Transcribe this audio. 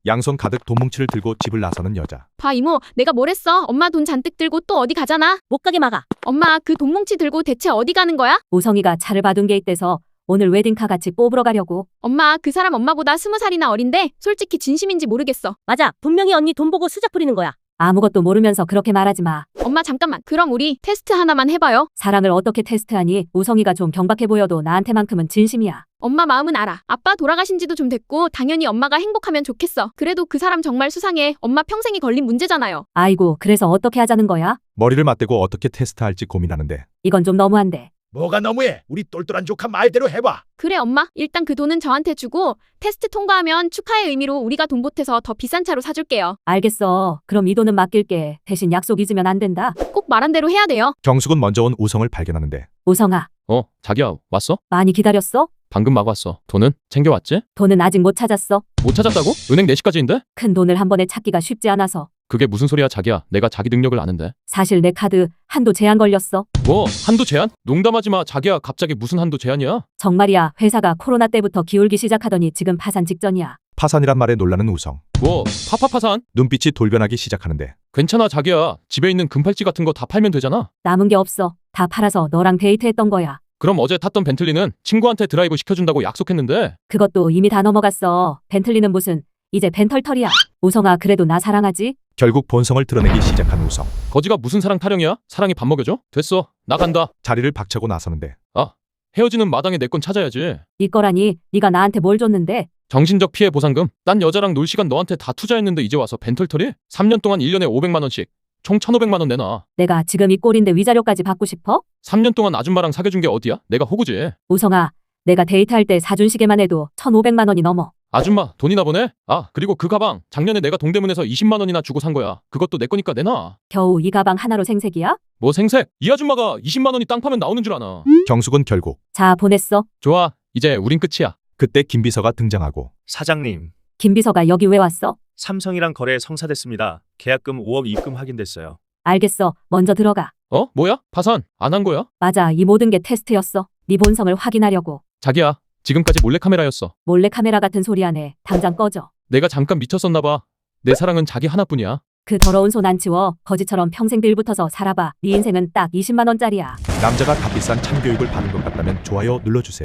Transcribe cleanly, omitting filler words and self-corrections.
양손 가득 돈 뭉치를 들고 집을 나서는 여자. 봐 이모, 내가 뭘 했어? 엄마 돈 잔뜩 들고 또 어디 가잖아? 못 가게 막아. 엄마 그 돈 뭉치 들고 대체 어디 가는 거야? 우성이가 차를 봐둔 게 있대서 오늘 웨딩카 같이 뽑으러 가려고. 엄마 그 사람 엄마보다 20살이나 어린데 솔직히 진심인지 모르겠어. 맞아. 분명히 언니 돈 보고 수작 부리는 거야. 아무것도 모르면서 그렇게 말하지 마. 엄마 잠깐만, 그럼 우리 테스트 하나만 해봐요. 사랑을 어떻게 테스트하니? 우성이가 좀 경박해 보여도 나한테만큼은 진심이야. 엄마 마음은 알아. 아빠 돌아가신 지도 좀 됐고 당연히 엄마가 행복하면 좋겠어. 그래도 그 사람 정말 수상해. 엄마 평생이 걸린 문제잖아요. 아이고, 그래서 어떻게 하자는 거야? 머리를 맞대고 어떻게 테스트할지 고민하는데 이건 좀 너무한데. 뭐가 너무해? 우리 똘똘한 조카 말대로 해봐. 그래 엄마, 일단 그 돈은 저한테 주고 테스트 통과하면 축하의 의미로 우리가 돈 보태서 더 비싼 차로 사줄게요. 알겠어. 그럼 이 돈은 맡길게. 대신 약속 잊으면 안 된다. 꼭 말한 대로 해야 돼요. 경숙은 먼저 온 우성을 발견하는데 우성아, 자기야, 왔어? 많이 기다렸어? 방금 막 왔어. 돈은 챙겨왔지? 돈은 아직 못 찾았어. 못 찾았다고? 은행 4시까지인데? 큰 돈을 한 번에 찾기가 쉽지 않아서. 그게 무슨 소리야, 자기야. 내가 자기 능력을 아는데. 사실 내 카드 한도 제한 걸렸어. 뭐, 한도 제한? 농담하지 마, 자기야. 갑자기 무슨 한도 제한이야? 정말이야. 회사가 코로나 때부터 기울기 시작하더니 지금 파산 직전이야. 파산이란 말에 놀라는 우성. 뭐, 파파파산? 눈빛이 돌변하기 시작하는데 괜찮아, 자기야. 집에 있는 금팔찌 같은 거 다 팔면 되잖아. 남은 게 없어. 다 팔아서 너랑 데이트했던 거야. 그럼 어제 탔던 벤틀리는 친구한테 드라이브 시켜준다고 약속했는데. 그것도 이미 다 넘어갔어. 벤틀리는 무슨, 이제 벤털털이야. 우성아, 그래도 나 사랑하지? 결국 본성을 드러내기 시작한 우성. 거지가 무슨 사랑 타령이야? 사랑이 밥 먹여줘? 됐어, 나 간다. 자리를 박차고 나서는데 헤어지는 마당에 내 건 찾아야지. 네 거라니. 네가 나한테 뭘 줬는데? 정신적 피해 보상금? 딴 여자랑 놀 시간 너한테 다 투자했는데 이제 와서 벤털털이? 3년 동안 1년에 500만 원씩 총 1,500만 원 내놔. 내가 지금 이 꼴인데 위자료까지 받고 싶어? 3년 동안 아줌마랑 사귀어준 게 어디야? 내가 호구지. 우성아, 내가 데이트할 때 사준 시계만 해도 1,500만 원이 넘어. 아줌마 돈이나 보내? 그리고 그 가방 작년에 내가 동대문에서 20만 원이나 주고 산 거야. 그것도 내 거니까 내놔. 겨우 이 가방 하나로 생색이야? 뭐 생색? 이 아줌마가 20만 원이 땅 파면 나오는 줄 아나. 경숙은 결국 자, 보냈어. 좋아, 이제 우린 끝이야. 그때 김비서가 등장하고 사장님, 김 비서가 여기 왜 왔어? 삼성이랑 거래 성사됐습니다. 계약금 5억 입금 확인됐어요. 알겠어. 먼저 들어가. 뭐야? 파산 안 한 거야? 맞아, 이 모든 게 테스트였어. 네 본성을 확인하려고. 자기야, 지금까지 몰래카메라였어. 몰래카메라 같은 소리 하네. 당장 꺼져. 내가 잠깐 미쳤었나 봐. 내 사랑은 자기 하나뿐이야. 그 더러운 손 안 치워. 거지처럼 평생 빌붙어서 살아봐. 네 인생은 딱 20만 원짜리야. 남자가 값비싼 참교육을 받은 것 같다면 좋아요 눌러주세요.